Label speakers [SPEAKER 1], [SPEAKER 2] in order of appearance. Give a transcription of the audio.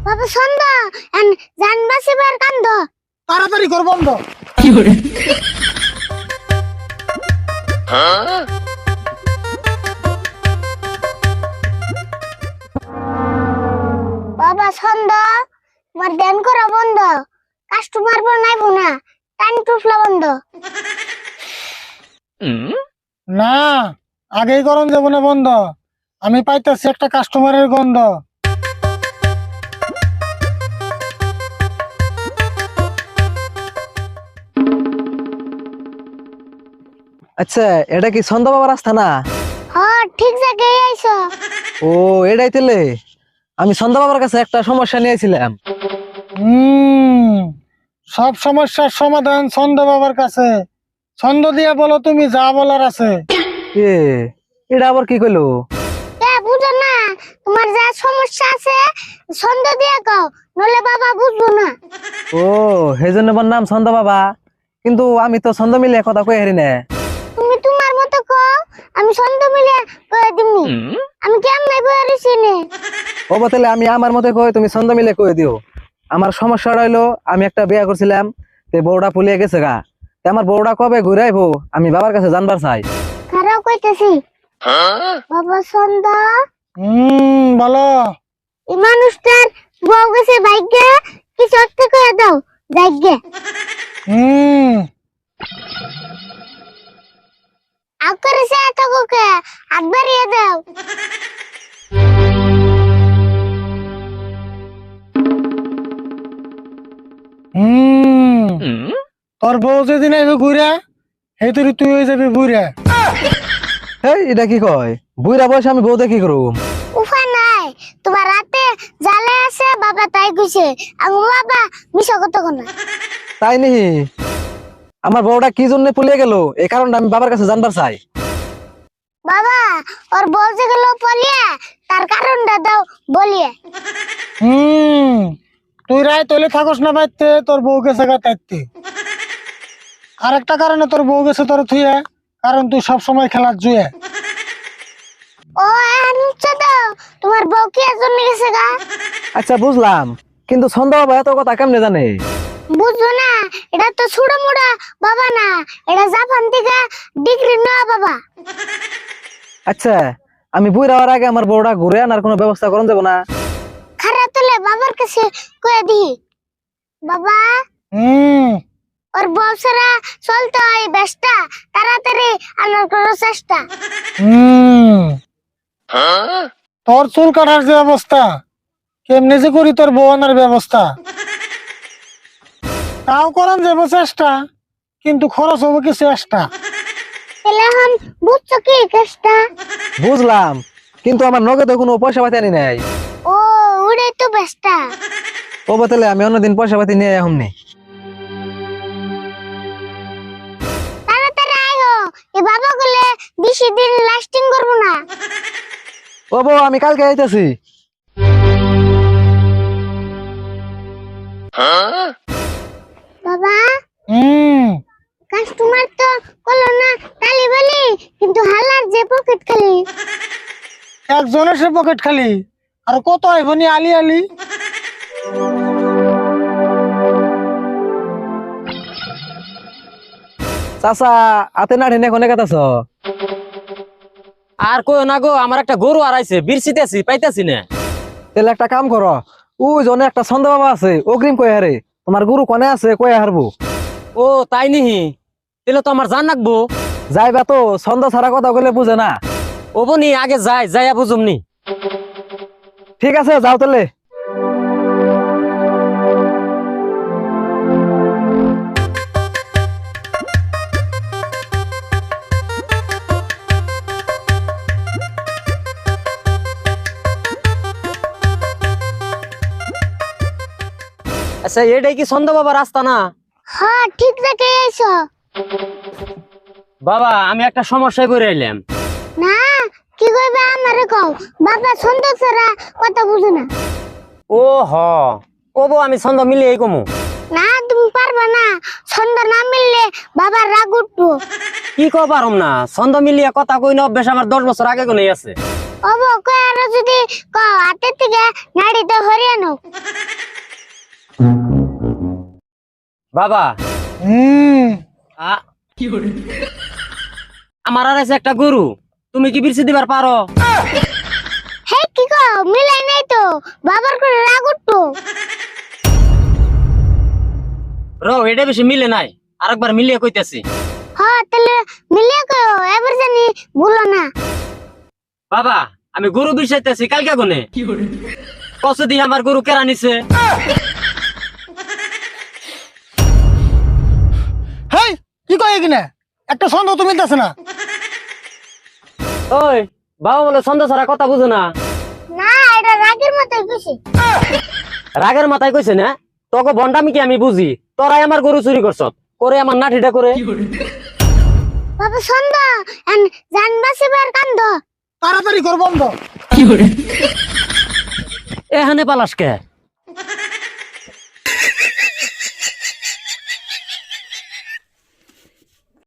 [SPEAKER 1] বাবা ছন্দ জান বাঁচিবার কান্দ।
[SPEAKER 2] তাড়াতাড়ি কর বন্ধ।
[SPEAKER 1] বাবা ছন্দ তোমার ধ্যান করা বন্ধ, কাস্টমার পর নাইবো না, টাইম টুফলা বন্ধ।
[SPEAKER 2] না, আগেই করন যাব না বন্ধ। আমি পাইতেছি একটা কাস্টমারের গন্ধ।
[SPEAKER 3] আচ্ছা, এটা কি ছন্দ বাবার রাস্তা না?
[SPEAKER 1] হ্যাঁ ঠিক জায়গায় আইছো।
[SPEAKER 3] ও, এটাই তেলে আমি ছন্দ বাবার কাছে একটা সমস্যা নিয়েছিলাম।
[SPEAKER 2] সব সমস্যার সমাধান ছন্দ বাবার কাছে। ছন্দ দিয়ে বলো তুমি যা বলার আছে।
[SPEAKER 3] এ এটা আবার কি কইলো?
[SPEAKER 1] বুঝো না, তোমার যা সমস্যা আছে ছন্দ দিয়ে কও, নলে বাবা বুঝবো না।
[SPEAKER 3] ও, সেজন্য আমার নাম ছন্দ বাবা, কিন্তু আমি তো ছন্দ মিলে কথা কই হারি না।
[SPEAKER 1] তুমি তোমার মতো কও, আমি ছন্দ মিলে কয়ে দিমনি। আমি কেমনে বয়ারিছি নে।
[SPEAKER 3] ও বতলে আমি আমার মতে কই, তুমি ছন্দ মিলে কই দিও। আমার সমস্যাটা হইলো, আমি একটা বিয়ে করছিলাম, তে বউটা পুলিয়ে গেছে গা। তে আমার বউটা কবে ঘুরে আইবো আমি বাবার কাছে জানবার চাই।
[SPEAKER 1] খারাপ কইতেছি বাবা ছন্দ।
[SPEAKER 2] বলো।
[SPEAKER 1] এই মানুষটার বউ গেছে ভাগ্যে, কিছু একটা করে দাও ভাগ্যে। আকারে সে এত কোকে হাত বাড়িয়ে দাও।
[SPEAKER 2] তোর বউ যেদিন আইবে ঘুরে, সেই তুই তুই হয়ে যাবি বুড়া।
[SPEAKER 3] হেই, এটা কি কয়? বুইরা বয়সে আমি বউ দেখি করুম?
[SPEAKER 1] উফা নাই, তোমার রাতে জালে আছে বাবা তাই কইছে। আমি বাবা মিশা কত কোনা।
[SPEAKER 3] তাই নি? আমার বউটা কি জন্য পুলিয়ে গেল এই কারণটা আমি বাবার কাছে জানবার চাই।
[SPEAKER 1] বাবা ওর বউ যে গেল পলিয়ে, তার কারণটা দাও বলিয়ে।
[SPEAKER 2] তুই রায় তলে থাকস না বাইতে, তোর বউ গেছে গা তাইতে। আর একটা কারণে তোর বউ গেছে তোর থুয়ে, কারণ তুই সব সময় খেলার জুয়ে।
[SPEAKER 1] ও আনছে দাও, তোমার বউ কি এর জন্য গেছে গা?
[SPEAKER 3] আচ্ছা বুঝলাম, কিন্তু ছন্দ বাবা এত কথা কেমনে জানে?
[SPEAKER 1] বুঝছো না, এটা তো ছুড়ো মুড়া বাবা না, এটা জাপান থেকে ডিগ্রি নেওয়া বাবা।
[SPEAKER 3] আচ্ছা, আমি বুইরা হওয়ার আগে আমার বউটা ঘুরে আনার কোনো ব্যবস্থা করুন যাবো না?
[SPEAKER 1] খারাপ তোলে বাবার কাছে কয়ে দি। বাবা ওর বউ ছাড়া চলতে হয় বেশটা, তাড়াতাড়ি আনার কোনো চেষ্টা।
[SPEAKER 2] তোর চুল কাটার যে অবস্থা, কেমনে যে করি তোর বউ আনার ব্যবস্থা। তাও করান যাবো চেষ্টা, কিন্তু খরচ হবো কিছু এক্সট্রা।
[SPEAKER 1] তাহলে এখন বুঝছো কি কেসটা?
[SPEAKER 3] বুঝলাম, কিন্তু আমার নগদে কোনো পয়সা পাতি আনি নাই।
[SPEAKER 1] ও ওটাই তো বেশটা।
[SPEAKER 3] ও বতলে আমি অন্যদিন পয়সা পাতি নিয়ে এখন নেই।
[SPEAKER 1] তাড়াতাড়ি আইও, এই বাবা গুলে বেশি দিন লাস্টিং করবো না।
[SPEAKER 3] ও বউ, আমি কালকে আইতেছি।
[SPEAKER 1] বাবা কাস্টমার তো কলো না তালি বলি, কিন্তু হালার যে পকেট খালি।
[SPEAKER 2] একজনের সে পকেট খালি, আর কত আইবনি আলি আলি।
[SPEAKER 3] চাচা, আতে না ঢেনে কোনে কাটাছ?
[SPEAKER 4] আর কই না গো, আমার একটা গরু হারাইছে, বিরছিতেছি পাইতাছি না।
[SPEAKER 3] তাহলে একটা কাম করো, ওই জনে একটা ছন্দ বাবা আছে, অগ্রিম কয়ে হারে। তোমার গুরু কোনে আছে কয়ে হারবো।
[SPEAKER 4] ও তাই নিহি, তাহলে তো আমার জান রাখবো।
[SPEAKER 3] যাইবা তো, ছন্দ ছাড়া কথা বলে বুঝে না।
[SPEAKER 4] ও বনি আগে যাইয়া বুঝুমনি।
[SPEAKER 3] ঠিক আছে, যাও তাহলে।
[SPEAKER 4] আচ্ছা, এটাই কি ছন্দ বাবা রাস্তা না?
[SPEAKER 1] হ্যাঁ ঠিক জায়গায় আইছো।
[SPEAKER 4] বাবা আমি একটা সমস্যায় পড়ে আইলাম।
[SPEAKER 1] না কি কইবে আমারে কও, বাবা ছন্দ ছাড়া কথা বুঝো না।
[SPEAKER 4] ও হ, ও বউ আমি ছন্দ মিলিয়ে কমু।
[SPEAKER 1] না তুমি পারবা না, ছন্দ না মিললে বাবার রাগ উঠবো।
[SPEAKER 4] কি কো পারম না, ছন্দ মিলিয়ে কথা কই না অভ্যাস আমার 10 বছর আগে কোনে আছে।
[SPEAKER 1] ওবো কই আর যদি কও হাতের থেকে নাড়িতে হরিয়ানো।
[SPEAKER 4] বাবা আ- আমার আর আছে একটা গরু, তুমি কি বিরছি দিবার পারো?
[SPEAKER 1] হে কি গো মিলাই নাই তো বাবার করে রাগ উঠতো।
[SPEAKER 4] এটা বেশি মিলে নাই, আরেকবার মিলিয়ে কইতেছি।
[SPEAKER 1] হ্যাঁ তাহলে মিলিয়ে কয়ো, এবার জানি ভুলো না।
[SPEAKER 4] বাবা আমি গরু বিষাইতেছি কালকে গুনে কসে দিয়ে আমার গরু কেরা নিছে।
[SPEAKER 2] হেই কি কয় কিনা একটা সন্দেহ তো মিলতেছে না।
[SPEAKER 4] ওই বাবা বলে ছন্দ ছাড়া কথা বুঝো না।
[SPEAKER 1] না এটা রাগের মতোই খুশি।
[SPEAKER 4] রাগের মাথায় কইছে না, তোকে বন্ডামি কি আমি বুঝি? তোরাই আমার গরু চুরি করছ, করে আমার নাঠিটা করে।
[SPEAKER 1] বাবা সন্দ জানবাসিবার কান্দ।
[SPEAKER 2] তাড়াতাড়ি কর বন্ধ।
[SPEAKER 4] এখানে পালাসকে